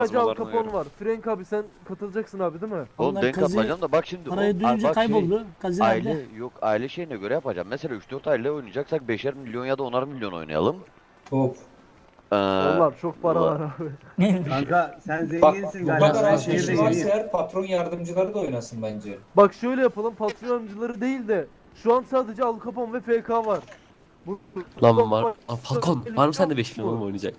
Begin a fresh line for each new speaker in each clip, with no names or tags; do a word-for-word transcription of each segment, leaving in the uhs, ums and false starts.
Hacı Al
Yazmalarına
Capone
göre.
var. Frank abi sen katılacaksın abi değil mi?
Oğlum
Vallahi
ben
kazı
katılacağım da bak şimdi.
parayı
o-
duyunca
bak şey,
kayboldu. Kazı
aile
nerede?
yok aile şeyine göre yapacağım. Mesela üç dört aile oynayacaksak beşer milyon ya da onar milyon oynayalım.
Top.
Ee,
Onlar çok para
la-
var abi.
Kanka sen
Bak
zenginsin
bu
galiba.
kadar
Ben
az
şehirde
kişi varsa
yeniyim.
eğer patron yardımcıları da oynasın bence.
Bak şöyle yapalım, patroncuları değil de şu an sadece Al Capone ve F K var. Bu,
Lan var. Aa, Falcon var mı sende beş milyon oğlum oynayacak?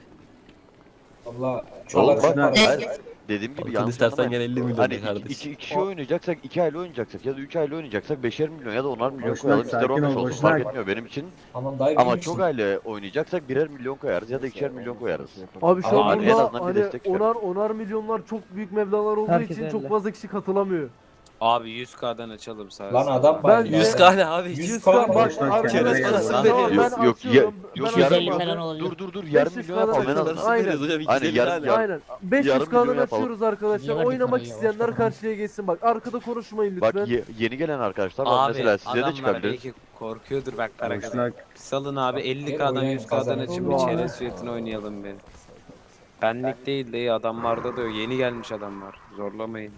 Valla çok
Oğlum
az
bak
para.
hayır, dediğim gibi
Falcon
yanlış
istersen
anlamayın.
gel elli milyon
Hani
de
iki,
kardeş.
iki kişi oynayacaksak iki aile oynayacaksak ya da üç aile oynayacaksak beşer milyon ya da onar milyon
Boşnak,
koyalım. İster
sakin
on beş
ol,
olsun fark
boşnak.
etmiyor benim için.
Tamam dayı
Ama
benim
çok
için.
aile oynayacaksak birer milyon koyarız ya da ikişer milyon koyarız.
Abi şu
Ama
an
hani
en
burada
azından bir
hani
destek çıkar.
onar onar milyonlar çok büyük meblağlar olduğu
Herkes
için
elle.
çok fazla kişi katılamıyor.
Abi yüz K'dan açalım sadece.
Lan adam
Ben-
bayağı.
yüz K ne abi?
Yüz
yüz
K
K
bak,
bak
boşnak
arkadaşlar,
kendine
parası
tamam,
veriyor.
ben
Yok, yok,
açıyorum.
yok,
Ben
yarım
açıyorum
milyon
abi.
olacak.
Dur dur dur yarım
beş yüz
milyon yapalım en
kadar
azından.
Aynen.
Aynen. Hocam
Aynen,
iki
yarım-
tane.
yarım-
Aynen. beş yüz
yarım
K'dan
milyon yapalım.
açıyoruz arkadaşlar.
Niye verdik
Oynamak
parayı ya?
isteyenler
Boş
karşıya geçsin. Bak arkada konuşmayın lütfen.
Bak ye- yeni gelen arkadaşlar var
Abi
mesela size de
adamlar
çıkabilir.
belki korkuyordur bak para kadar.
Boşnak.
Salın abi elli
Gel
K'dan
oynayın,
yüz K'dan
kazanın.
açıp
Oğlum
bir
abi.
çerez fiyatını oynayalım bir. Benlik değil de iyi adamlarda da yok. Yeni gelmiş adamlar. Zorlamayın.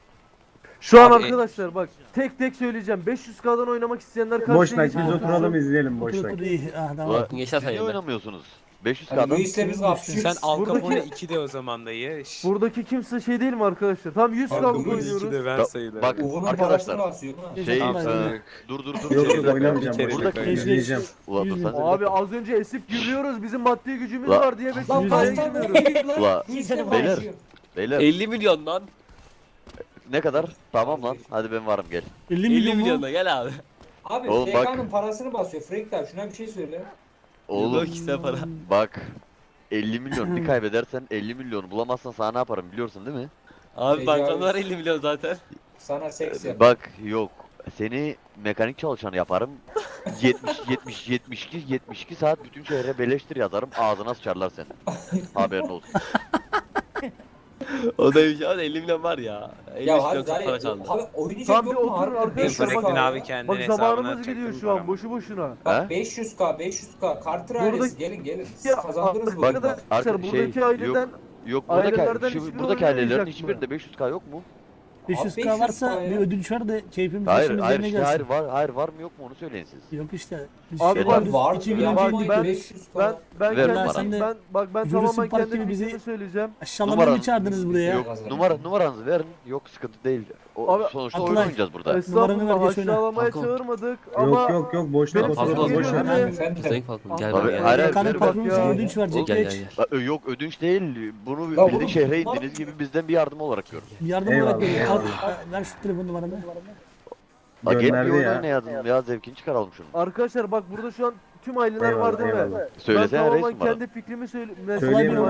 Şu an
Abi-
arkadaşlar bak tek tek söyleyeceğim. beş yüz K'dan oynamak isteyenler karşıya
Boşnak
geçsin.
biz oturalım izleyelim
Otur
boşnak.
otur iyi. Ah tamam.
Ulan,
Geçer sen
niye
yerine.
oynamıyorsunuz? beş yüz
Hani
K'dan
Luis'le biz kapışıyoruz.
Sen Al
Buradaki-
Capone iki de o zaman dayı. Şşş.
Buradaki kimse şey değil mi arkadaşlar? Tamam yüz
Abi,
K'lık
bu
iki de
oynuyoruz.
ben
Bak-
sayılırım.
bak-
Uğur'un
Arkadaşlar,
parasını basıyor ha.
şey
Tamam,
e,
tamam.
dur dur dur.
Yok
şey-
yok
Buradaki-
oynamayacağım
buradaki-
boşnak.
buradaki-
İzleyeceğim.
Ulan dur
Yüz
sen de-
Abi az önce esip gülüyoruz. Bizim maddi gücümüz
La-
var diye beş
Lan
yüz K'ya
kaç tane
girmiyoruz.
oynuyor lan?
Ula,
Luis'le
beyler.
konuşuyor.
Beyler
elli milyon lan.
ne kadar? Tamam lan hadi ben varım gel.
elli
elli
milyon
milyon
mu?
da gel abi.
Abi
Oğlum bak.
F K'nın parasını basıyor. Frank abi şuna bir şey söyle.
Oğlum
Yok işte para.
bak elli milyon bir kaybedersen elli milyonu bulamazsan sana ne yaparım biliyorsun değil mi?
Abi
Tecavüz.
bankamda var elli milyon zaten.
Sana seks yap.
Bak yok seni mekanik çalışanı yaparım. yetmiş yetmiş yetmiş iki yetmiş iki saat bütün şehre beleştir yazarım ağzına sıçarlar seni. Haberin olsun.
O da bir şey var elli milyon var ya. elli
Ya
milyon
hadi
çok para
Zari,
çaldı.
abi oynayacak
Tam bir
yok mu?
oturun
Harbiden
arkadaşlar,
beş yüz K
Fred'in
bak-
abi
ya.
kendine
Bak
hesabına
zamanımız
atacaktım
gidiyor şu an
paramı.
boşu boşuna.
Bak
He?
beş yüz K, beş yüz K. Carter
Burada-
ailesi gelin gelin. Siz
Ya
kazandınız bu
arkadaşlar
oyunu.
Arka-
buradaki
şey,
aileden
Yok buradaki,
Ailelerden
şu,
hiçbiri
buradaki ailelerin
oynamayacak mı?
hiçbirinde beş yüz K yok mu?
beş yüz
Abi
K varsa
beş yüz K ya.
bir ödünç ver de keyfimiz
Hayır
başımız
hayır
yerine
işte
gelsin.
hayır var hayır var mı yok mu onu söyleyin siz.
Yok işte. Biz
Abi
şey
bak,
biz
var
iki
ya,
gün önce
bak,
gittik.
ben-
beş yüz K.
ben ben
Ver
kendi
numaranı.
ben bak ben
Jurassic
tamamen
Park
kendi
gibi bizi-
fikrimi söyleyeceğim.
Aşağılamaya
Numaran-
mı çağırdınız buraya?
Yok numara numaranızı verin. Yok sıkıntı değil. O,
Abi,
sonuçta oyun
Aklay-
oynayacağız burada.
Numaranı
Estağfurullah
ver, geç oyna.
aşağılamaya
Falcon.
çağırmadık ama
Yok yok yok boşnak
Benim
oturalım
sesim
boşnak.
geliyor değil mi?
Efendim?
Sayın Falcon gel
Abi,
bak gel.
hayır, hayır,
Kanun
ver bak
patronumuz
ya.
ödünç verecek
Gel gel
geç.
gel.
Bak, yok ödünç değil. Bunu
Ya
bildiğin
oğlum,
şehre
numara-
indiğiniz gibi bizden bir yardım olarak görün.
Yardım
Eyvallah,
olarak veriyor.
eyvallah.
Al, ver şu telefon numaranı.
Bak gel bir
Gönderdi
oyun
ya.
oynayalım ya zevkini çıkaralım şunu.
arkadaşlar bak burada şu an tüm aileler
Eyvallah,
var değil mi?
eyvallah.
Ben
Söylesene reis
tamamen
numara.
kendi fikrimi söyle.
Söyleyeyim
Mesela
mi?